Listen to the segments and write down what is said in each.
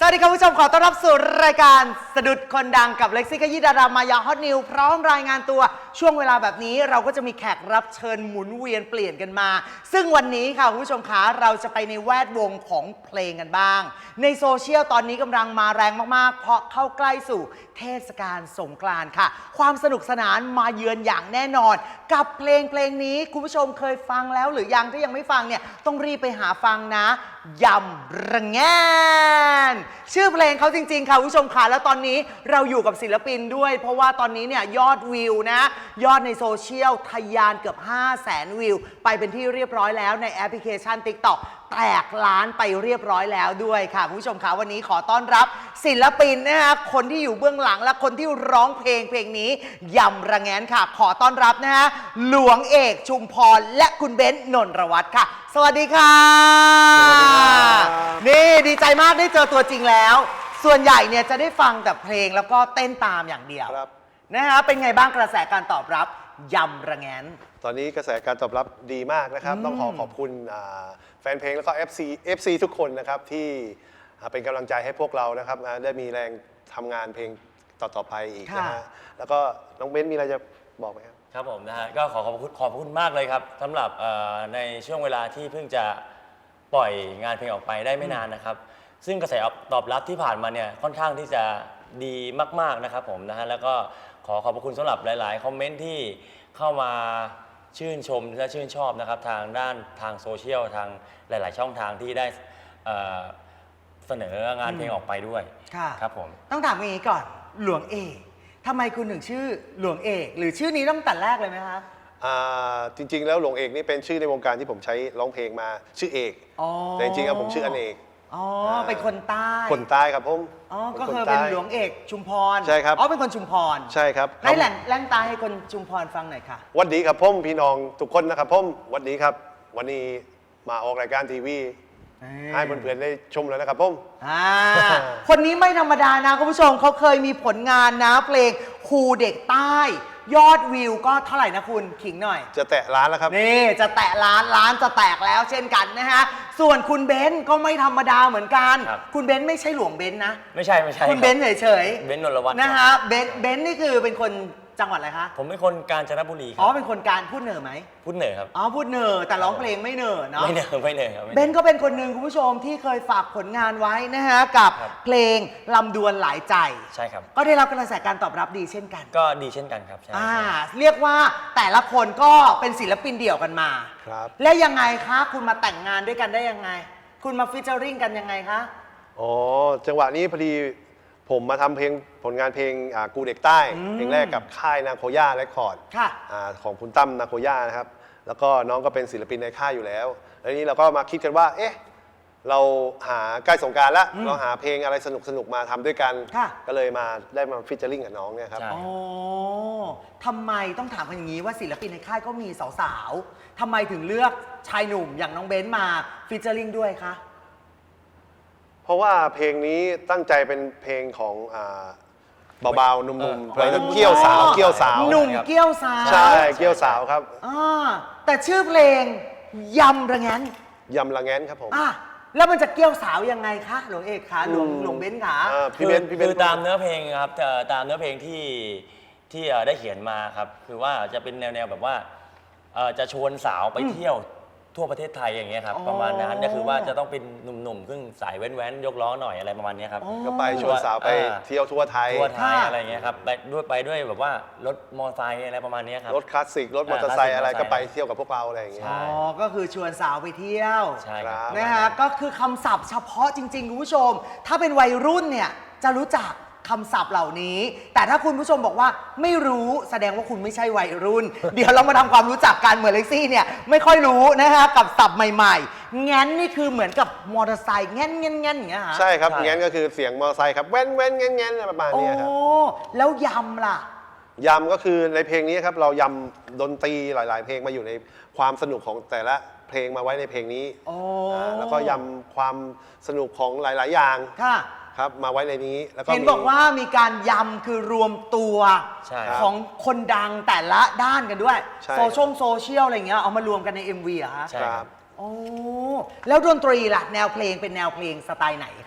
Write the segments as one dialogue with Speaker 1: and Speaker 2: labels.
Speaker 1: วัสดีคุณผู้ชมขอต้อนรับสู่รายการสะดุดคนดังกับเล็กซี่ขยี้ดารามายาฮอตนิวพร้อมรายงานตัวช่วงเวลาแบบนี้เราก็จะมีแขกรับเชิญหมุนเวียนเปลี่ยนกันมาซึ่งวันนี้ค่ะคุณผู้ชมคะเราจะไปในแวดวงของเพลงกันบ้างในโซเชียลตอนนี้กำลังมาแรงมากๆเพราะเข้าใกล้สู่เทศกาลสงกรานต์ค่ะความสนุกสนานมาเยือนอย่างแน่นอนกับเพลงนี้คุณผู้ชมเคยฟังแล้วหรือยังถ้ายังไม่ฟังเนี่ยต้องรีบไปหาฟังนะยำระแงนชื่อเพลงเขาจริงๆค่ะคุณผู้ชมค่ะแล้วตอนนี้เราอยู่กับศิลปินด้วยเพราะว่าตอนนี้เนี่ยยอดวิวนะยอดในโซเชียลทะยานเกือบ 500,000 วิวไปเป็นที่เรียบร้อยแล้วในแอปพลิเคชัน TikTok แตกล้านไปเรียบร้อยแล้วด้วยค่ะคุณผู้ชมค่ะวันนี้ขอต้อนรับศิลปินนะคะคนที่อยู่เบื้องหลังและคนที่ร้องเพลงนี้ยำระแงนค่ะขอต้อนรับนะฮะหลวงเอกชุมพรและคุณเบนซ์นนทวัฒน์ค่ะสวัสดีค่ะนี่ดีใจมากได้เจอตัวจริงแล้วส่วนใหญ่เนี่ยจะได้ฟังแต่เพลงแล้วก็เต้นตามอย่างเดียวนะฮะเป็นไงบ้างกระแสการตอบรับยำระแงน
Speaker 2: ตอนนี้กระแสการตอบรับดีมากนะครับต้องขอบคุณแฟนเพลงแล้วก็ FC ทุกคนนะครับที่เป็นกำลังใจให้พวกเรานะครับได้มีแรงทำงานเพลงต่อไปอีกนะฮะแล้วก็น้องเบนซ์มีอะไรจะบอกไหมครับ
Speaker 3: ครับผมนะฮะก็ขอบคุณมากเลยครับสำหรับในช่วงเวลาที่เพิ่งจะปล่อยงานเพลงออกไปได้ไม่นานนะครับซึ่งกระแสตอบรับที่ผ่านมาเนี่ยค่อนข้างที่จะดีมากๆนะครับผมนะฮะแล้วก็ขอบคุณสำหรับหลายๆคอมเมนต์ที่เข้ามาชื่นชมและชื่นชอบนะครับทางด้านทางโซเชียลทางหลายๆช่องทางที่ได้เสนองานเพลงออกไปด้วยครับผม
Speaker 1: ต้องถามอย่างนี้ก่อนหลวงเอกทำไมคุณถึงชื่อหลวงเอกหรือชื่อนี้ต้องแต่แรกเลยไหมคะ
Speaker 2: จริงๆแล้วหลวงเอกนี่เป็นชื่อในวงการที่ผมใช้ร้องเพลงมาชื่อเอกแต่จริงๆแล้วผมชื่ออเนก
Speaker 1: เป็นคนใต้
Speaker 2: คนใต้ครับผม
Speaker 1: ก็คือเป็นหลวงเอกชุมพร
Speaker 2: ใช่ครับ
Speaker 1: เป็นคนชุมพร
Speaker 2: ใช่ครับ
Speaker 1: ให้แหล่งตาให้คนชุมพรฟังหน่อยค่ะ
Speaker 2: วันดีครับผมพี่น้องทุกคนนะครับผมวันนี้ครับวันนี้มาออกรายการทีวีให้เพื่อนๆได้ชมแล้วนะครับผม
Speaker 1: คนนี้ไม่ธรรมดานะคุณผู้ชมเขาเคยมีผลงานนะเพลงครูเด็กใต้ยอดวิวก็เท่าไหร่นะคุณขิงหน่อย
Speaker 2: จะแตะล้านแล้วครับ
Speaker 1: นี่จะแตะล้านจะแตกแล้วเช่นกันนะฮะส่วนคุณเบนซ์ก็ไม่ธรรมดาเหมือนกันคุณเบนซ์ไม่ใช่หลวงเบนซ์นะ
Speaker 3: ไม่ใช่
Speaker 1: คุณเบนซ์เฉย
Speaker 3: เบนซ์นนทวัฒน์
Speaker 1: นะฮะเบนซ์นี่คือเป็นคนจังหวัดอะไรคะ
Speaker 3: ผมเป็นคนกาญจนบุรี
Speaker 1: ครับเป็นคนการพูดเหนือไหม
Speaker 3: พูดเหนือครับ
Speaker 1: พูดเหนือแต่ร้องเพลงไม่เหนือเนาะ
Speaker 3: ไม่เหนือครับ
Speaker 1: เบนซ์ก็เป็นคนหนึ่งคุณผู้ชมที่เคยฝากผลงานไว้นะฮะกับเพลงลำดวนหลายใจ
Speaker 3: ใช่ครับ
Speaker 1: ก็ได้รับกระแสการตอบรับดีเช่นกัน
Speaker 3: ก็ดีเช่นกันครับใช่
Speaker 1: เรียกว่าแต่ละคนก็เป็นศิลปินเดี่ยวกันมา
Speaker 2: ครับ
Speaker 1: และยังไงคะคุณมาแต่งงานด้วยกันได้ยังไงคุณมาฟีเจอริ่งกันยังไงคะ
Speaker 2: จังหวะนี้พอดีผมมาทำเพลงผลงานเพลงกูเด็กใต้เพลงแรกกับค่ายนาโคย่าเรคคอร์ดของคุณตั้มนาโคย่านะครับแล้วก็น้องก็เป็นศิลปินในค่ายอยู่แล้วแล้วนี้เราก็มาคิดกันว่าเอ๊ะเราหาใกล้สงกรานต์แล้วเราหาเพลงอะไรสนุกมาทำด้วยกันก็เลยได้มาฟีเจอริ่งกับน้องเนี่ยครับ
Speaker 1: ทำไมต้องถามกันอย่างนี้ว่าศิลปินในค่ายก็มีสาวๆทำไมถึงเลือกชายหนุ่มอย่างน้องเบนซ์มาฟีเจอริ่งด้วยคะ
Speaker 2: เพราะว่าเพลงนี้ตั้งใจเป็นเพลงของเบาๆนุ่มๆเพลงเกี้ยวสาว
Speaker 1: หนุ่มเกี้ยวสาว
Speaker 2: ใช่เกี้ยวสาวครับ
Speaker 1: แต่ชื่อเพลงยำระแงน
Speaker 2: ครับผม
Speaker 1: แล้วมันจะเกี้ยวสาวยังไงคะหลวงเอกคะหลวงเบนซ์คะ
Speaker 2: พี่เบน
Speaker 3: คือตามเนื้อเพลงครับตามเนื้อเพลงที่ได้เขียนมาครับคือว่าจะเป็นแนวแบบว่าจะชวนสาวไปเที่ยวทั่วประเทศไทยอย่างเงี้ยครับประมาณนั้นก็คือว่าจะต้องเป็นหนุ่มๆครึ่งสายแว้นๆยกล้อหน่อยอะไรประมาณนี้ครับ
Speaker 2: ก็ไปชวนสาวไปเที่ยวทั่วไทย
Speaker 3: อะไรเงี้ยครับไปด้วยแบบว่ารถมอเตอร์ไซค์อะไรประมาณนี้ครับ
Speaker 2: รถคลาสสิกรถมอเตอร์ไซค์อะไรก็ไปเที่ยวกับพวกเราอะไรอย่างเงี้ย
Speaker 1: ก็คือชวนสาวไปเที่ยว
Speaker 3: ใช่ครับ
Speaker 1: นะฮะก็คือคำศัพท์เฉพาะจริงๆคุณผู้ชมถ้าเป็นวัยรุ่นเนี่ยจะรู้จักคำศัพท์เหล่านี้แต่ถ้าคุณผู้ชมบอกว่าไม่รู้แสดงว่าคุณไม่ใช่วัยรุ่นเดี๋ยวเรามาทำความรู้จักกันเหมือนเล็กซี่เนี่ยไม่ค่อยรู้นะฮะกับศัพท์ใหม่ๆงั้นนี่คือเหมือนกับมอเตอร์ไซค์งั้นอย่างเงี้ยฮะ
Speaker 2: ใช่ครับงั้นก็คือเสียงมอเตอร์ไซค์ครับแว้นงั้นประมาณนี้ครับ
Speaker 1: แล้วยำล่ะ
Speaker 2: ยำก็คือในเพลงนี้ครับเรายำดนตรีหลายๆเพลงมาอยู่ในความสนุกของแต่ละเพลงมาไว้ในเพลงนี้แล้วก็ยำความสนุกของหลายๆอย่างครับมาไว้ในนี้แล้วก็
Speaker 1: เห็นบอกว่ามีการยำคือรวมตัวของคนดังแต่ละด้านกันด้วยโซเชียลอะไรเงี้ยเอามารวมกันใน MV เหรอคะ
Speaker 2: ครับ
Speaker 1: แล้วดนตรีล่ะแนวเพลงเป็นแนวเพลงสไตล์ไหนคะ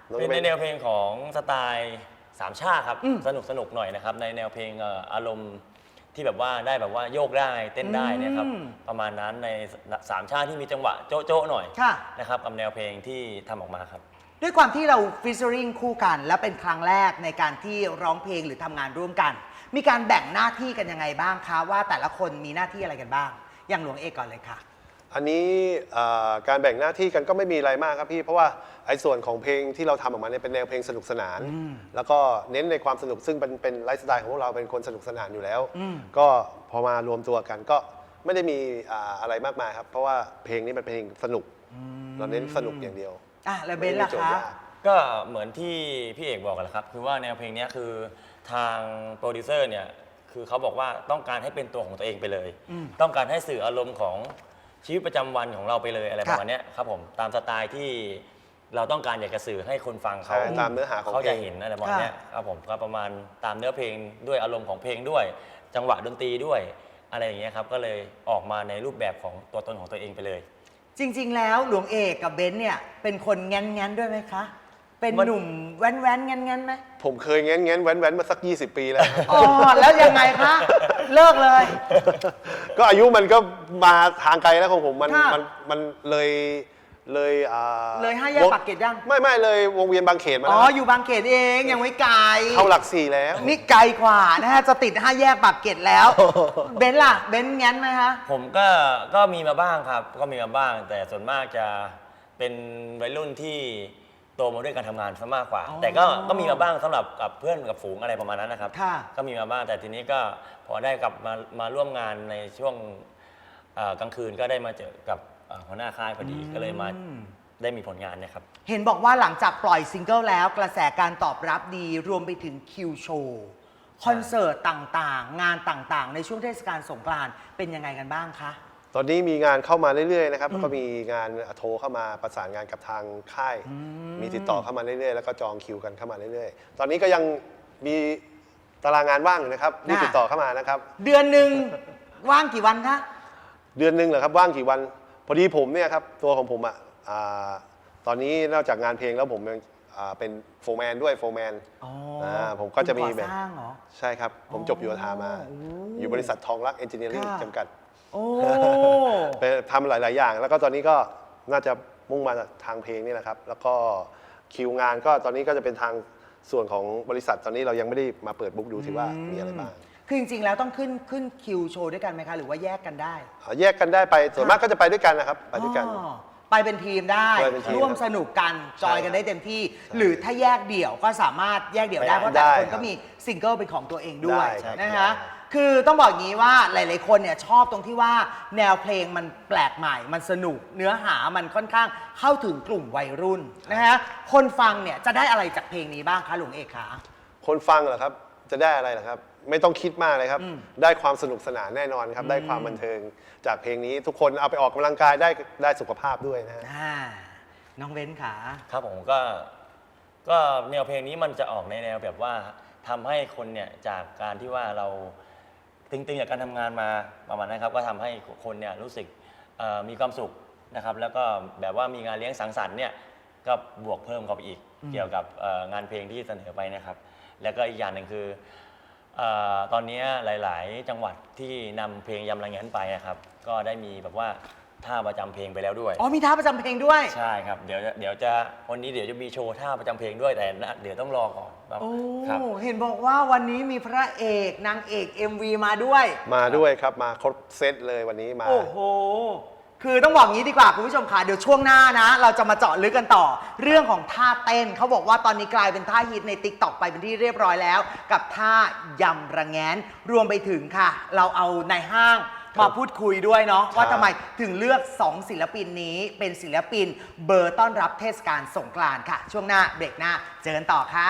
Speaker 3: เป็นในแนวเพลงของสไตล์สามชาติครับสนุกหน่อยนะครับในแนวเพลงอารมณ์ที่แบบว่าได้แบบว่าโยกได้เต้นได้เนี่ยครับประมาณนั้นในสามชาติที่มีจังหวะโจ๊ะๆหน่อย
Speaker 1: ค่ะ
Speaker 3: นะครับกับแนวเพลงที่ทำออกมาครับ
Speaker 1: ด้วยความที่เราฟิชเชอริงคู่กัน และเป็นครั้งแรกในการที่ร้องเพลงหรือทำงานร่วมกัน มีการแบ่งหน้าที่กันยังไงบ้างคะว่าแต่ละคนมีหน้าที่อะไรกันบ้าง อย่างหลวงเอกก่อนเลยค่ะ
Speaker 2: อันนี้การแบ่งหน้าที่กันก็ไม่มีอะไรมากครับพี่เพราะว่าไอ้ส่วนของเพลงที่เราทำออกมาเนี่ยเป็นแนวเพลงสนุกสนาน แล้วก็เน้นในความสนุกซึ่งเป็นไลฟ์สไตล์ของพวกเราเป็นคนสนุกสนานอยู่แล้วก็พอมารวมตัวกันก็ไม่ได้มีอะไรมากมายครับเพราะว่าเพลงนี้เป็นเพลงสนุกเราเน้นสนุกอย่างเดียว
Speaker 1: แล้วเบนซ์ล่ะ
Speaker 2: ไม่ได้มีโจทย์
Speaker 1: คะ
Speaker 2: ยาก
Speaker 3: ก็เหมือนที่พี่เอกบอกกันแหละครับคือว่าแนวเพลงนี้คือทางโปรดิวเซอร์เนี่ยคือเขาบอกว่าต้องการให้เป็นตัวของตัวเองไปเลย ต้องการให้สื่ออารมณ์ของชีวิตประจำวันของเราไปเลยอะไรประมาณเนี้ยครับผมตามสไตล์ที่เราต้องการอยากจะสื่อให้คนฟังเขา
Speaker 2: ใช่ตามเนื้อหาของ
Speaker 3: เขา
Speaker 2: เพล
Speaker 3: จะ
Speaker 2: ง
Speaker 3: เห็นอะไรประมาณเนี้ยครับผมก็ประมาณตามเนื้อเพลงด้วยอารมณ์ของเพลงด้วย จังหวะดนตรีด้วยอะไรอย่างเงี้ยครับก็เลยออกมาในรูปแบบของตัวตนของตัวเองไปเลย
Speaker 1: จริง ๆ แล้วหลวงเอกกับเบนซ์เนี่ยเป็นคนแง้นๆด้วยไหมคะ เป็นหนุ่มแว้นๆแง้นๆไหม
Speaker 2: ผมเคยแง้นแว้นมาสัก 20 ปีแล้วครับ
Speaker 1: อ๋อแล้วยังไงคะ เลิกเลย
Speaker 2: ก็อายุมันก็มาทางไกลแล้วของผมมัน
Speaker 1: ค่ะ
Speaker 2: มันเลยเลย
Speaker 1: เลย5 แยกปากเกร็ดยัง
Speaker 2: ไม่เลยวงเวียนบางเขนมา
Speaker 1: อ๋
Speaker 2: แล้
Speaker 1: อ
Speaker 2: ว
Speaker 1: อยู่บางเขตเองยังไม่ไกล
Speaker 2: เข้าหลัก4แล้ว
Speaker 1: นี่ไกลกว่านะฮะจะติด5 แยกปากเกร็ดแล้ว เบนซ์ล่ะเบนซ์แง้นไหมคะ
Speaker 3: ผมก็มีมาบ้างครับก็มีมาบ้าง แต่ส่วนมากจะเป็นวัยรุ่นที่โตมาด้วยการทำงานซะมากกว่า แต่ก็มีมาบ้างสำหรับกับเพื่อนกับฝูงอะไรประมาณนั้นนะครับ
Speaker 1: ค่ะ
Speaker 3: ก็มีมาบ้างแต่ทีนี้ก็พอได้กลับมาร่วมงานในช่วงกลางคืนก็ได้มาเจอกับหัวหน้าค่ายพอดีก็เลยมาได้มีผลงานเนะครับ
Speaker 1: เห็นบอกว่าหลังจากปล่อยซิงเกิลแล้วกระแสการตอบรับดีรวมไปถึงคิวโชว์คอนเสิร์ตต่างๆ งานต่างๆ ในช่วงเทศกาลสงกรานต์เป็นยังไงกันบ้างคะ
Speaker 2: ตอนนี้มีงานเข้ามาเรื่อยๆนะครับแล้วก็มีงานโทรเข้ามาประสานงานกับทางค่าย มีติดต่อเข้ามาเรื่อยๆแล้วก็จองคิวกันเข้ามาเรื่อยๆ ตอนนี้ก็ยังมีตารางงานว่างอยู่นะครับมีติดต่อเข้ามานะครับ
Speaker 1: เดือนหนึ่งว่างกี่วันคะ
Speaker 2: เดือนหนึ่งเหรอครับว่างกี่วัน พอดีผมเนี่ยครับตัวของผมตอนนี้นอกจากงานเพลงแล้วผมยังเป็นโฟร์แมนด้วยโฟร์แมนผมก็จะมี
Speaker 1: ก่
Speaker 2: แบ
Speaker 1: อบ สร้างเหรอ
Speaker 2: ใช่ครับ ผมจบโยธามา อยู่บริษัททองรักเอนจิเนียริ่ง
Speaker 1: ค่ะ
Speaker 2: จำกัด
Speaker 1: โอ้
Speaker 2: ไปทำหลาย ๆ อย่าง แล้วก็ตอนนี้ก็น่าจะมุ่งมาทางเพลงนี่แหละครับ แล้วก็คิวงานก็ตอนนี้ก็จะเป็นทางส่วนของบริษัทตอนนี้เรายังไม่ได้มาเปิดบุ๊กดูที่ว่ามีอะไรบ้าง
Speaker 1: คือจริงๆแล้วต้องขึ้นคิวโชว์ด้วยกันไหมคะ หรือว่าแยกกันได้
Speaker 2: แยกกันได้ไปส่วนมากก็จะไปด้วยกันนะครับไปด้วยกัน
Speaker 1: อ๋อไปเป็นทีมได้
Speaker 2: ไปเป็นทีม
Speaker 1: ร่วมสนุกกันจอยกันได้เต็มที่ หรือถ้าแยกเดี่ยวก็สามารถแยกเดี่ยวได้
Speaker 2: ได้
Speaker 1: เพราะแต่ละคน
Speaker 2: ได้
Speaker 1: ก็มีซิงเกิลเป็นของตัวเองด้วย
Speaker 2: ได้ครับ
Speaker 1: นะคะ
Speaker 2: ได้
Speaker 1: คือต้องบอกอย่างนี้ว่าหลายๆคนเนี่ยชอบตรงที่ว่าแนวเพลงมันแปลกใหม่ มันสนุก เนื้อหามันค่อนข้างเข้าถึงกลุ่มวัยรุ่นนะฮะคนฟังเนี่ยจะได้อะไรจากเพลงนี้บ้างคะหลวงเอกคะ
Speaker 2: คนฟังเหรอครับจะได้อะไรเหรอครับ ไม่ต้องคิดมากเลยครับ ได้ความสนุกสนานแน่นอนครับ ได้ความบันเทิงจากเพลงนี้ทุกคนเอาไปออกกำลังกายได้สุขภาพด้วยนะฮะ
Speaker 1: น้องเบ้นขา
Speaker 3: ครับผมก็แนวเพลงนี้มันจะออกในแนวแบบว่าทำให้คนเนี่ยจากการที่ว่าเราตึงๆจากการทำงานมาประมาณนั้นครับก็ทำให้คนเนี่ยรู้สึกมีความสุขนะครับแล้วก็แบบว่ามีงานเลี้ยงสังสรรค์เนี่ยก็บวกเพิ่มเข้าไปอีกเกี่ยวกับงานเพลงที่เสนอไปนะครับแล้วก็อีกอย่างหนึ่งคือตอนนี้หลายๆ จังหวัดที่นำเพลงยำระแงนไปนะครับก็ได้มีแบบว่าท่าประจำเพลงไปแล้วด้วย
Speaker 1: อ๋อมีท่าประจำเพลงด้วย
Speaker 3: ใช่ครับเดี๋ยวจะวันนี้เดี๋ยวจะมีโชว์ท่าประจำเพลงด้วยแต่เดี๋ยวต้องรอก่อนครับ
Speaker 1: โอ้
Speaker 3: ครับ
Speaker 1: เห็นบอกว่าวันนี้มีพระเอกนางเอก MV มาด้วย
Speaker 2: มาด้วยครับมาครบเซตเลยวันนี้มา
Speaker 1: โอ้โห คือต้องบอกงี้ดีกว่าคุณผู้ชมค่ะเดี๋ยวช่วงหน้านะ เราจะมาเจาะลึกกันต่อ เรื่องของท่าเต้นเขาบอกว่าตอนนี้กลายเป็นท่าฮิตใน TikTok ไปเป็นที่เรียบร้อยแล้ว กับท่ายำระแงนรวมไปถึงค่ะ เราเอาในห้างมาพูดคุยด้วยเนาะว่าทำไมถึงเลือก 2 ศิลปินนี้เป็นศิลปินเบอร์ต้อนรับเทศกาลสงกรานต์ค่ะ ช่วงหน้าเบรกหน้าเจอกันต่อค่ะ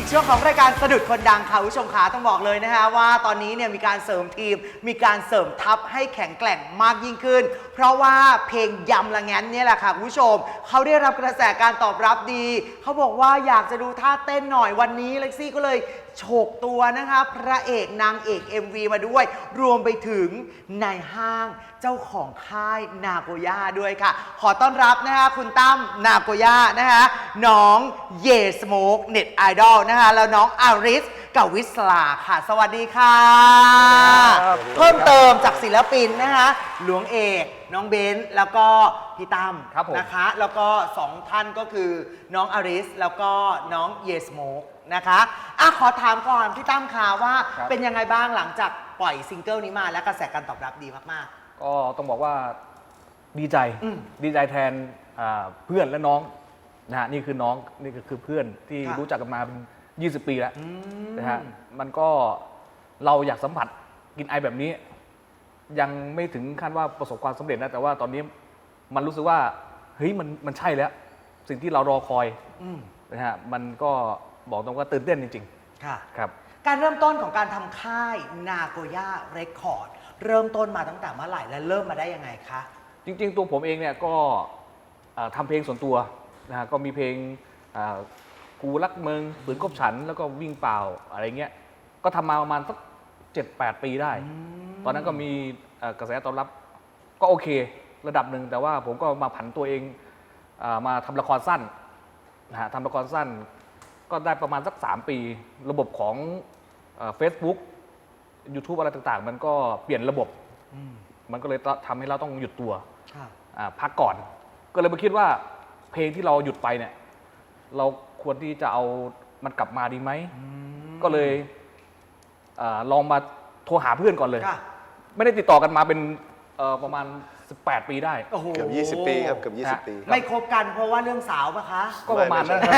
Speaker 1: ช่วงของรายการสะดุดคนดังค่ะคุณผู้ชมขาต้องบอกเลยนะคะว่าตอนนี้เนี่ยมีการเสริมทีมมีการเสริมทัพให้แข็งแกร่งมากยิ่งขึ้นเพราะว่าเพลงยำละแงนเนี่ยแหละค่ะคุณผู้ชมเขาได้รับกระแสการตอบรับดีเขาบอกว่าอยากจะดูท่าเต้นหน่อยวันนี้เล็กซี่ก็เลยโฉกตัวนะคะพระเอกนางเอก MV มาด้วยรวมไปถึงนายห้างเจ้าของค่ายนาโกย่าด้วยค่ะขอต้อนรับนะคะคุณตั้มนาโกย่านะคะน้องเยสโมกเน็ตไอดอลนะคะแล้วน้องอาริสกับวิสลาค่ะสวัสดีค่ะเพิ่มเติมจากศิลปินนะคะหลวงเอกน้องเบนซ์แล้วก็พี่ตั้มนะคะแล้วก็2ท่านก็คือน้องอาริสแล้วก็น้องเยสโมกนะคะขอถามก่อนพี่ตั้มค่ะว่าเป็นยังไงบ้างหลังจากปล่อยซิงเกิลนี้มาและกระแสการตอบรับดีมากๆ
Speaker 4: ก็ต้องบอกว่าดีใจดีใจแทนเพื่อนและน้องนะฮะนี่คือน้องนี่ก็คือเพื่อนที่รู้จักกันมาเป็น20 ปีแล้วนะฮะมันก็เราอยากสัมผัสกินไอแบบนี้ยังไม่ถึงขั้นว่าประสบความสำเร็จนะแต่ว่าตอนนี้มันรู้สึกว่าเฮ้ยมันใช่แล้วสิ่งที่เรารอคอยนะฮะมันก็บอกตรงว่าตื่นเต้นจริงๆค่ะครับ
Speaker 1: การเริ่มต้นของการทำค่ายนาโกย่าเรคคอร์ดเริ่มต้นมาตั้งแต่เมื่อไหร่และเริ่มมาได้ยังไงคะ
Speaker 4: จริงๆตัวผมเองเนี่ยก็ทำเพลงส่วนตัวนะฮะก็มีเพลงกูรักเมืองปืนกบฉันแล้วก็วิ่งเปล่าอะไรเงี้ยก็ทำมาประมาณสัก7-8 ปีได้ตอนนั้นก็มีกระแสตอบรับก็โอเคระดับหนึ่งแต่ว่าผมก็มาผันตัวเองมาทำละครสั้นนะฮะทำละครสั้นก็ได้ประมาณสัก3 ปีระบบของFacebook YouTube อะไรต่างๆมันก็เปลี่ยนระบบมันก็เลยทำให้เราต้องหยุดตัวพักก่อนก็เลยมาคิดว่าเพลงที่เราหยุดไปเนี่ยเราควรที่จะเอามันกลับมาดีไหมก็เลยลองมาโทรหาเพื่อนก่อนเลยไม่ได้ติดต่อกันมาเป็นประมาณ18 ปีได้
Speaker 2: เกือบ20 ปีครับเกือบ20 ปี
Speaker 1: ไม่คบกันเพราะว่าเรื่องสาวปะคะ
Speaker 4: ก็ประมาณนั้น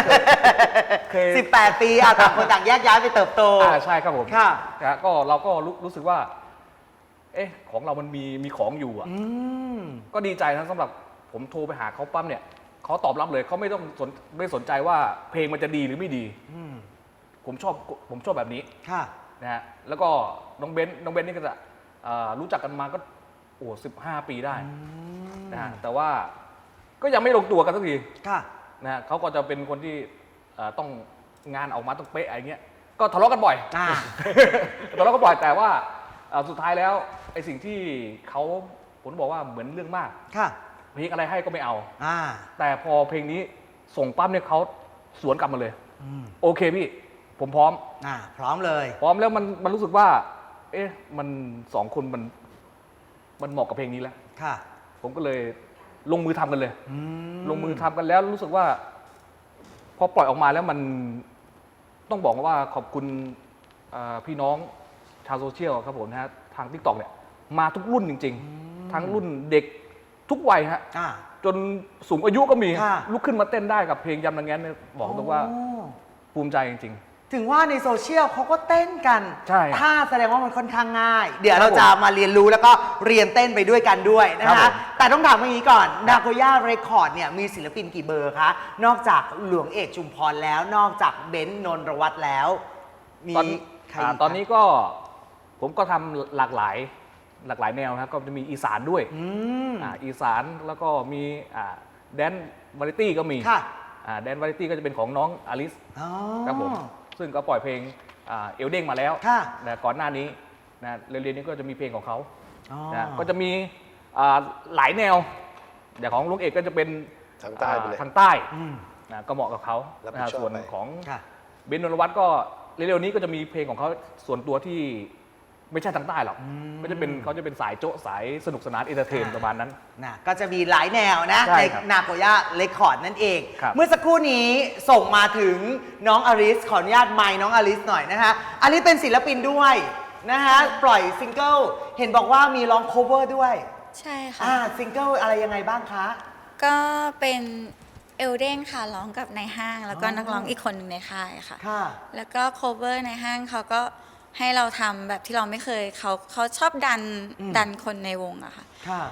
Speaker 1: 18 ปีต่างคนต่างแยกย้ายไปเติบโต
Speaker 4: ใช่ครับผมค่ะก็เราก็รู้สึกว่าของเรามันมีของอยู่อ่ะก็ดีใจนะสำหรับผมโทรไปหาเขาปั๊มเนี่ยเขาตอบรับเลยเขาไม่สนใจว่าเพลงมันจะดีหรือไม่ดีผมชอบแบบนี้นะฮะแล้วก็น้องเบนนี่ก็จะรู้จักกันมาก็15 ปีได้นะฮะแต่ว่าก็ยังไม่ลงตัวกันสักทีนะฮะเขาก็จะเป็นคนที่ต้องงานออกมาต้องเป๊ะอะไรเงี้ยก็ทะเลาะกันบ่อยทะเลาะกันบ่อยแต่ว่าสุดท้ายแล้วไอ้สิ่งที่เขาผมบอกว่าเหมือนเรื่องมากเพลงอะไรให้ก็ไม่เอาแต่พอเพลงนี้ส่งปั๊มเนี่ยเขาสวนกลับมาเลยโอเคพี่ผมพร้อม
Speaker 1: พร้อมเลย
Speaker 4: พร้อมแล้วมันรู้สึกว่ามัน2 คนมันเหมาะกับเพลงนี้แล้วผมก็เลยลงมือทำกันเลยลงมือทำกันแล้วรู้สึกว่าพอปล่อยออกมาแล้วมันต้องบอกว่าขอบคุณพี่น้องชาวโซเชียลครับผมนะฮะทาง TikTok เนี่ยมาทุกรุ่นจริงๆทั้งรุ่นเด็กทุกวัยฮะจนสูงอายุก็มีลุกขึ้นมาเต้นได้กับเพลงยำละแงนเนี่ยบอกตรงว่าภูมิใจจริง
Speaker 1: ๆถึงว่าในโซเชียลเขาก็เต้นกัน
Speaker 4: ใช่
Speaker 1: ถ้าแสดงว่ามันค่อนข้างง่ายเดี๋ยวเราจะมาเรียนรู้แล้วก็เรียนเต้นไปด้วยกันด้วยนะคะแต่ต้องถามอย่างนี้ก่อนนาโกย่าเรคคอร์ดเนี่ยมีศิลปินกี่เบอร์คะนอกจากหลวงเอกชุมพรแล้วนอกจากเบนซ์นนทวัฒน์แล้วมีใคร
Speaker 4: ตอนนี้ก็ผมก็ทำหลากหลายแนวนะครับก็จะมีอีสานด้วยอีสานแล้วก็มีแดนวาไรตี้ก็มีแดนวาไรตี้ก็จะเป็นของน้องอลิสครับผมซึ่งก็ปล่อยเพลงเอลเด้งมาแล้วแต่ก่อนหน้านี้นะเร็วๆนี้ก็จะมีเพลงของเขาก็จะมีหลายแนวอย่างของลุงเอกก็จะเป็น
Speaker 2: ทางใต้
Speaker 4: นะก็เหมาะกับเขาส่วนของเบนซ์นนทวัฒน์ก็เร็วๆนี้ก็จะมีเพลงของเขาส่วนตัวที่ไม่ใช่ทางใต้หรอกเขาจะเป็นสายโจ๊ะสายสนุกสนานเอนเตอร์เทนประมาณนั้น
Speaker 1: ก็จะมีหลายแนวนะในนาโกย่าเรคคอร์ดนั่นเองเมื่อสักครู่นี้ส่งมาถึงน้องอลิสขออนุญาตไมค์น้องอลิสหน่อยนะคะอลิสเป็นศิลปินด้วยนะคะปล่อยซิงเกิลเห็นบอกว่ามีร้องโคเวอร์ด้วย
Speaker 5: ใช่ค่ะ
Speaker 1: ซิงเกิลอะไรยังไงบ้างคะ
Speaker 5: ก็เป็นเอลเด้งค่ะร้องกับในห้างแล้วก็นักร้องอีกคนหนึ่งในค่ายค่ะแล้วก็โคเวอร์ในห้างเขาก็ให้เราทำแบบที่เราไม่เคยเขาชอบดันคนในวงอะค่ะ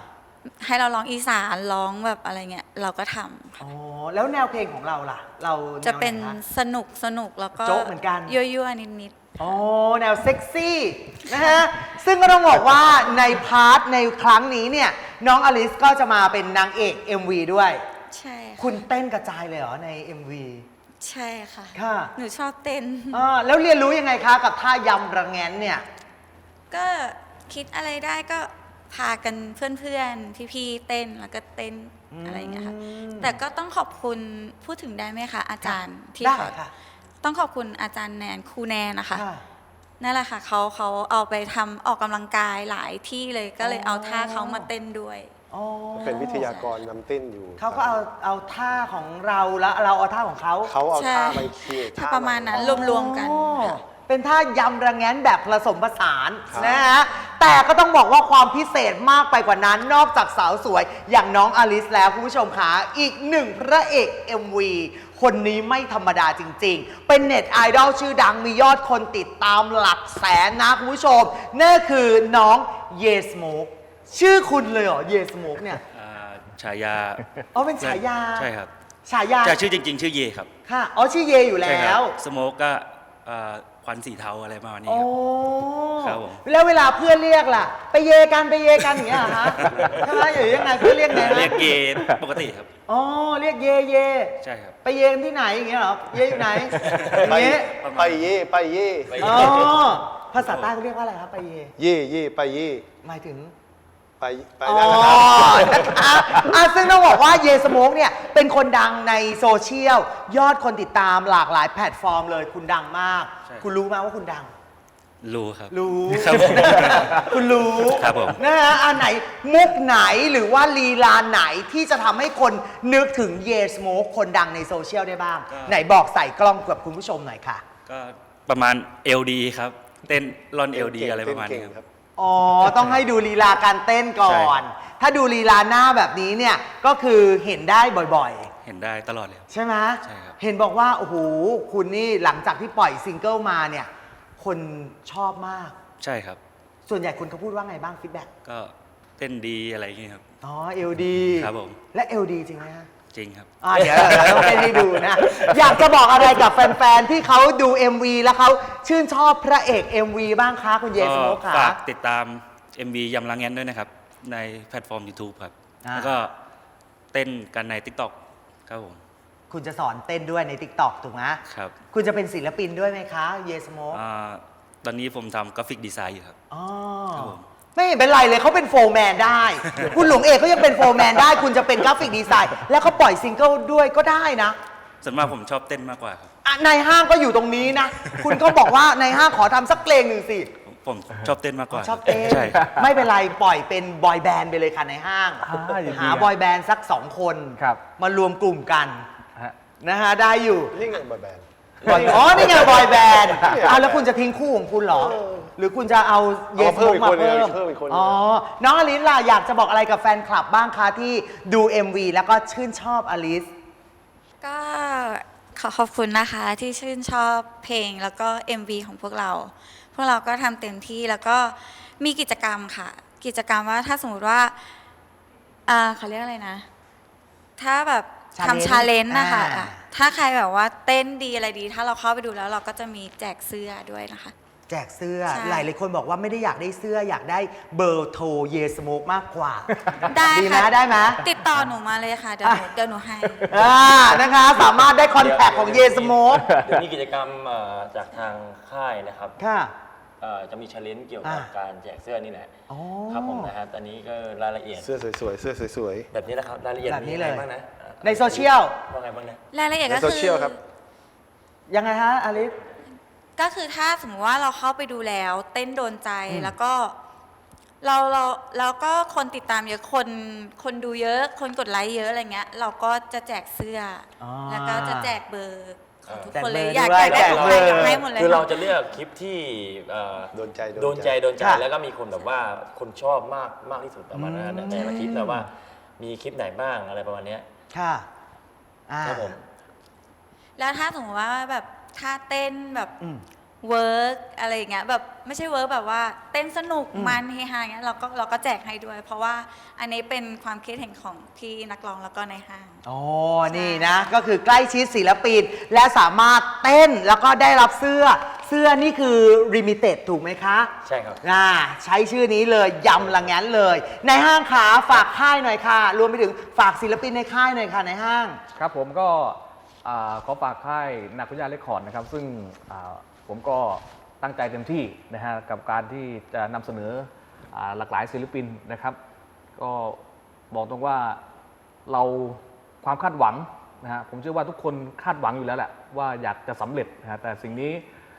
Speaker 5: ให้เราร้องอีสานร้องแบบอะไรเงี้ยเราก็ทำ
Speaker 1: อ๋อแล้วแนวเพลงของเราล่ะ เราแว
Speaker 5: จะเป็น
Speaker 1: ไหค
Speaker 5: สนุกแล้วก็
Speaker 1: โจ๊กเหมือนกัน
Speaker 5: ยั่วๆนิด
Speaker 1: อ๋อแนวเซ็กซี่นะฮะ ซึ่งก็ต้องบอกว่าในพาร์ทในครั้งนี้เนี่ยน้องอลิสก็จะมาเป็นนางเอก MV ด้วย
Speaker 5: ๆใช่ค่ะ
Speaker 1: คุณเต้นกระจายเลยเหรอใน MV
Speaker 5: ใช่ค่ะ
Speaker 1: ค่ะ
Speaker 5: หนูชอบเต้น
Speaker 1: แล้วเรียนรู้ยังไงคะกับท่ายำระแงนเนี่ย
Speaker 5: ก็คิดอะไรได้ก็พากันเพื่อนๆ พี่ๆ เต้นแล้วก็เต้นอะไรอย่างเงี้ยค่ะ แต่ก็ต้องขอบคุณพูดถึงได้ไหมคะอาจารย์ที่
Speaker 1: ได้
Speaker 5: เขา
Speaker 1: ค่ะ
Speaker 5: ต้องขอบคุณอาจารย์แนนครูแนนนะคะ
Speaker 1: ค่ะ
Speaker 5: นั่นแหละค่ะเขาเอาไปทำออกกำลังกายหลายที่เลยก็เลยเอาท่าเขามาเต้นด้วย
Speaker 1: อ๋อ
Speaker 2: เป็นวิทยากรนำเต้นอยู่
Speaker 1: เขาก็เอาท่าของเราแล้วเราเอาท่าของเขา
Speaker 2: เขาเอา
Speaker 5: ใช่
Speaker 2: ท่าไปเคีย
Speaker 5: ถ้าประมาณนั้นรวมๆกัน
Speaker 1: อ๋อ
Speaker 5: ค่ะ
Speaker 1: เป็นท่ายำระแงนแบบผสมผสาน
Speaker 2: ครับ
Speaker 1: นะฮะ แต่ก็ต้องบอกว่าความพิเศษมากไปกว่านั้น นอกจากสาวสวยอย่างน้องอลิสแล้วคุณผู้ชมคะอีกหนึ่งพระเอก MV คนนี้ไม่ธรรมดาจริงๆ เป็นเน็ตไอดอลชื่อดังมียอดคนติดตามหลักแสนนะคุณผู้ชมนั่นคือน้องเยสโมกชื่อคุณเลยเหรอเยสโมกเนี่ย
Speaker 6: ฉายา
Speaker 1: อ๋อเป็นฉายา
Speaker 6: ใช่ครับ
Speaker 1: ฉายา
Speaker 6: แต่ชื่อจริง ๆ ชื่อเยครับ
Speaker 1: ค่ะอ๋อชื่อเยอยู่
Speaker 6: ใช่
Speaker 1: แล้
Speaker 6: ครั
Speaker 1: ว
Speaker 6: สโมกก็ควันสีเทาอะไรประมาณนี้
Speaker 1: โอ้
Speaker 6: ครับ ผม
Speaker 1: แล้วเวลาเพื่อนเรียกล่ะ ไปเยกันอย่างเงี้ยเหรอฮะใช่ไหมหรือยังไงเพื่อนเรียกไงฮะ
Speaker 6: เรียกเยปกติครับ
Speaker 1: อ๋อเรียกเย
Speaker 6: ใช่ครับ
Speaker 1: ไปเยกันที่ไหนอย่างเงี้ยเหรอเยอยู่ไหนอย่าง
Speaker 2: ไป
Speaker 1: เงี้ย
Speaker 2: ไปเย่ไปเย่
Speaker 1: อ๋อภาษาใต้เขาเรียกว่าอะไรครับไปเย
Speaker 2: เย่เย่ไปเย่
Speaker 1: หมายถึง
Speaker 2: ไป
Speaker 1: อ๋อ
Speaker 2: นั่นนะครับ
Speaker 1: นะคะซึ่งต้องบอกว่าเยสโมกเนี่ยเป็นคนดังในโซเชียลยอดคนติดตามหลากหลายแพลตฟอร์มเลยคุณดังมาก
Speaker 6: ใช่
Speaker 1: คุณรู้ไหมว่าคุณดัง
Speaker 6: รู้ครับ
Speaker 1: รู้
Speaker 6: ครับผม
Speaker 1: คุณรู้
Speaker 6: ครับผม
Speaker 1: นะฮะอันไหนมุกไหนหรือว่าลีลาไหนที่จะทำให้คนนึกถึงเยสโมกคนดังในโซเชียลได้บ้าง ไหนบอกใส่กล้องกับคุณผู้ชมหน่อยค่ะ
Speaker 6: ก็ประมาณ LD ครับ เต้นร่อน LD อะไรประมาณนี้ครับ
Speaker 1: อ๋อ ต้องให้ดูลีลาการเต้นก่อน
Speaker 6: ใช่
Speaker 1: ถ้าดูลีลาหน้าแบบนี้เนี่ย ก็คือเห็นได้บ่อย
Speaker 6: เห็นได้ตลอดเลยครับ
Speaker 1: ๆ ใช่ไหม
Speaker 6: ใช่ครับ
Speaker 1: เห็นบอกว่า โอ้โห คุณนี่หลังจากที่ปล่อยซิงเกิลมาเนี่ย คนชอบมาก
Speaker 6: ใช่ครับ
Speaker 1: ส่วนใหญ่คุณเขาพูดว่าไงบ้างฟีดแบ็ก
Speaker 6: ก็เต้นดีอะไรอย่างเงี้ยครับ
Speaker 1: อ๋อเอลดี
Speaker 6: ครับผม
Speaker 1: และเอลดีจริงไหมฮะ
Speaker 6: จริงครับ
Speaker 1: เดี๋ยวเราต้องเต้นให้ดูนะ อยากจะบอกอะไรกับแฟนๆ ที่เขาดู MV แล้วเขาชื่นชอบพระเอก MV บ้างคะคุณเยสโมก
Speaker 6: ก็
Speaker 1: ค่ะ
Speaker 6: ฝากติดตาม MV ยำลังแงนด้วยนะครับ ในแพลตฟอร์ม YouTube ครับ แล้วก็เต้นกันใน TikTok ครับผม
Speaker 1: คุณจะสอนเต้นด้วยใน TikTok ถูกไหม
Speaker 6: ครับ
Speaker 1: คุณจะเป็นศิลปินด้วยไหมคะเยสโมก
Speaker 6: ตอนนี้ผมทำกราฟิกดีไซน์อยู่ครับ
Speaker 1: อ๋อ
Speaker 6: ครับผม
Speaker 1: ไม่เห็นเป็นไรเลยเขาเป็นโฟร์แมนได้ คุณหลวงเอกเขายังเป็นโฟร์แมนได้ คุณจะเป็นกราฟิกดีไซน์ แล้วเขาปล่อยซิงเกิลด้วยก็ได้นะ
Speaker 6: ส่วนมากผมชอบเต้นมากกว่าครับ
Speaker 1: ในห้างก็อยู่ตรงนี้นะ คุณก็บอกว่าในห้างขอทำสักเพลงหนึ่งสิ
Speaker 6: ผมชอบเต้นมากกว่า
Speaker 1: ชอบเต้น
Speaker 6: ใช่ครับ
Speaker 1: ไม่เป็นไรปล่อยเป็นบอยแบนด์ไปเลยค่ะในห้าง
Speaker 4: ยินดี
Speaker 1: หา
Speaker 4: ครับ
Speaker 1: บอยแบนด์สัก 2 คน
Speaker 4: ครับ
Speaker 1: มารวมกลุ่มกัน
Speaker 4: ฮะ
Speaker 1: นะฮะได้อยู่
Speaker 2: นี่ไงบอยแบนด์
Speaker 1: อ๋อ นี่ไงบอยแบนด์
Speaker 2: เนี่ย
Speaker 1: แล้วคุณจะทิ้งคู่ของคุณเหรอ หรือคุณจะเอาเย
Speaker 2: เอา
Speaker 1: ส
Speaker 2: เพิ่
Speaker 1: โม
Speaker 2: ม
Speaker 1: ก
Speaker 2: อีก
Speaker 1: มา
Speaker 2: คนหนึ่ง
Speaker 1: เพิ่ม
Speaker 2: เพิ่มอีกคนหนึ่ง
Speaker 1: อ๋อ น้องอลิสล่ะ อยากจะบอกอะไรกับแฟนคลับบ้างคะที่ดู MV แล้วก็ชื่นชอบอลิส
Speaker 5: ก็ขอบคุณนะคะที่ชื่นชอบเพลงแล้วก็ MV ของพวกเรา พวกเราก็ทำเต็มที่แล้วก็มีกิจกรรมค่ะ กิจกรรมว่าถ้าสมมติว่าเขาเรียกอะไรนะ ถ้าแบบทำ
Speaker 1: Challenge
Speaker 5: ชาเลนจ์นะคะ
Speaker 1: อ่า
Speaker 5: ถ้าใครแบบว่าเต้นดีอะไรดี ถ้าเราเข้าไปดูแล้วเราก็จะมีแจกเสื้อด้วยนะคะ
Speaker 1: แจกเสื้อ
Speaker 5: ใช่
Speaker 1: หลายคนบอกว่าไม่ได้อยากได้เสื้ออยากได้เบอร์โทรเยสโมกมากกว่า
Speaker 5: ได้
Speaker 1: ดีไหม
Speaker 5: ค่ะ
Speaker 1: ได้ไหม
Speaker 5: ติดต่อหนูมาเลยค่ะ เดี๋ยวหนูให้
Speaker 1: นะคะ สามารถได้คอนแทคของเยสโมก
Speaker 3: เดี๋ยวมีกิจกรรมจากทางค่ายนะครับ
Speaker 1: ค่ะ
Speaker 3: จะมีชาเลนจ์เกี่ยวกับ
Speaker 1: อ่า
Speaker 3: การแจกเสื้อนี่แหละ
Speaker 1: อ๋อ
Speaker 3: ครับผมนะฮะตอนนี้ก็รายละเอียด
Speaker 2: เสื้อสวยๆเสื้อสวย
Speaker 3: แบบนี้นะครับรายละเอียด
Speaker 1: แบบนี้เลย
Speaker 3: มีอะไรบ้างนะ
Speaker 1: ในโซเชียล
Speaker 3: ว่าไงบ้างนะ
Speaker 5: รายละเอียด
Speaker 2: ใน
Speaker 5: ก็
Speaker 2: โซ
Speaker 5: คื
Speaker 2: เชียลครับ
Speaker 1: ยังไงฮะอลิส
Speaker 5: ก็คือถ้าสมมติว่าเราเข้าไปดูแล้ว เต้นโดนใจแล้วก็เราก็คนติดตามเยอะคนดูเยอะคนกดไลค์เยอะอะไรเงี้ย เราก็จะแจกเสื้ออ
Speaker 1: อ
Speaker 5: แล้วก็จะแจกเบอร์ของทุก
Speaker 1: แจก
Speaker 5: คนเลย
Speaker 1: เบอร์
Speaker 5: อยาก
Speaker 1: ด้วย
Speaker 5: ได้
Speaker 1: แจก
Speaker 5: ของ
Speaker 1: เบ
Speaker 5: ใค
Speaker 1: อ
Speaker 5: ร
Speaker 1: ร์
Speaker 5: อยากให้หมดเลย
Speaker 3: คือเราจะเลือกคลิปที่
Speaker 2: โดนใจ
Speaker 3: โดนใจ
Speaker 1: ค่ะ
Speaker 3: แล้วก็มีคนแบบว่าคนชอบมากที่สุดประมาณนั้นนะแต่ละคลิปแต่ว่ามีคลิปไหนบ้างอะไรประมาณเนี้ย
Speaker 1: ค่ะอ่า
Speaker 3: ครับผม
Speaker 5: แล้วถ้าสมมติว่าแบบท่าเต้นแบบ
Speaker 1: อืม
Speaker 5: หเวิร์กอะไรอย่างเงี้ยแบบไม่ใช่เวิร์กแบบว่าเต้นสนุกมันเฮฮาอย่างเงี้ยเราก็แจกให้ด้วย เพราะว่าอันนี้เป็นความคิดเห็นของพี่นักร้องแล้วก็ในห้าง
Speaker 1: อ๋อ นี่นะ ก็คือใกล้ชิดศิลปิน และสามารถเต้นแล้วก็ได้รับเสื้อนี่คือริมิเต็ดถูกไหมคะ
Speaker 3: ใช่ครับ
Speaker 1: ใช้ชื่อนี้เลยยำละงั้นเลย ในห้างขาฝากค่ายหน่อยค่ะ รวมไปถึงฝากศิลปินในค่ายหน่อยค่ะในห้าง
Speaker 4: ครับผมก็ขอฝากค่ายนาคุย่าเรคคอร์ดนะครับ ซึ่งผมก็ตั้งใจเต็มที่นะฮะกับการที่จะนำเสนอหลากหลายศิลปินนะครับ ก็บอกตรงว่าเราความคาดหวังนะฮะผมเชื่อว่าทุกคนคาดหวังอยู่แล้วแหละว่าอยากจะสำเร็จนะฮะแต่สิ่งนี้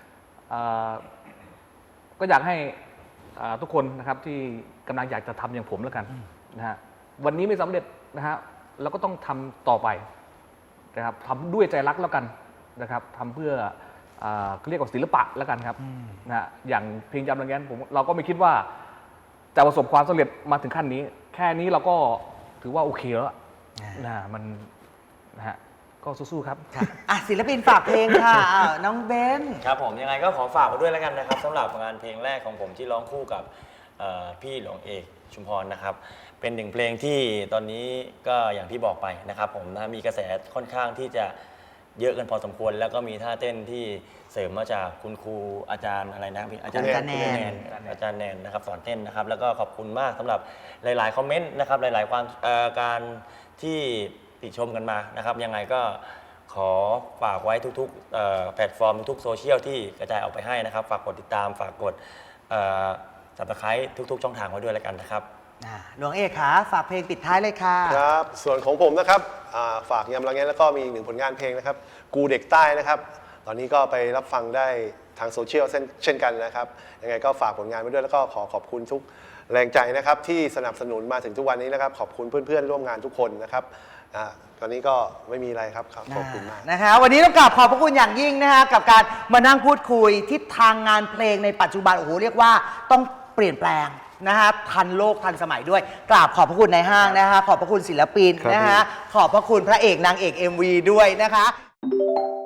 Speaker 4: ก็อยากให้ทุกคนนะครับที่กำลังอยากจะทำอย่างผมแล้วกันนะฮะวันนี้ไม่สำเร็จนะฮะเราก็ต้องทำต่อไปนะครับทำด้วยใจรักแล้วกันนะครับทำเพื่อเรียกว่าศิลปะแล้วกันครับนะฮะอย่างเพลงยำระแงนเราก็ไม่คิดว่าจะประสบความสำเร็จมาถึงขั้นนี้แค่นี้เราก็ถือว่าโอเคแล้วนะมันนะฮะก็สู้ๆครับ
Speaker 1: ศิลปินฝากเพลงค่ะน้องเบน
Speaker 3: ครับผมยังไงก็ขอฝากไว้ด้วยแล้วกันนะครับสำหรับงานเพลงแรกของผมที่ร้องคู่กับพี่หลวงเอกชุมพรนะครับเป็นหนึ่งเพลงที่ตอนนี้ก็อย่างที่บอกไปนะครับผมนะมีกระแสค่อนข้างที่จะเยอะกันพอสมควรแล้วก็มีท่าเต้นที่เสริมมาจากคุณครูอาจารย์อะไรนะอาจารย์แนนนะครับสอนเต้นนะครับแล้วก็ขอบคุณมากสำหรับหลายๆคอมเมนต์นะครับหลายๆความการที่ติชมกันมานะครับยังไงก็ขอฝากไว้ทุกๆแพลตฟอร์มทุกโซเชียลที่กระจายออกไปให้นะครับฝากกดติดตามฝากกดSubscribe ทุกๆช่องทางไว้ด้วยแล้วกันนะครับ
Speaker 1: หลวงเอกคะฝากเพลงปิดท้ายเลยค่ะ
Speaker 2: ครับส่วนของผมนะครับฝากยำละแงนแล้วก็มีอีกหนึ่งผลงานเพลงนะครับกูเด็กใต้นะครับตอนนี้ก็ไปรับฟังได้ทางโซเชียลเช่นกันนะครับยังไงก็ฝากผลงานไว้ด้วยแล้วก็ขอบคุณทุกแรงใจนะครับที่สนับสนุนมาถึงทุกวันนี้นะครับขอบคุณเพื่อนๆร่วมงานทุกคนนะครับตอนนี้ก็ไม่มีอะไรครับขอบคุณมาก
Speaker 1: นะคะวันนี้ต้องกราบขอบพระคุณอย่างยิ่งนะคะกับการมานั่งพูดคุยทิศทางงานเพลงในปัจจุบันโอ้โหเรียกว่าต้องเปลี่ยนแปลงนะคะทันโลกทันสมัยด้วยกราบขอบพระคุณในห้างนะคะขอบพระคุณศิลปินนะคะขอบพระคุณพระเอกนางเอก MV ด้วยนะคะ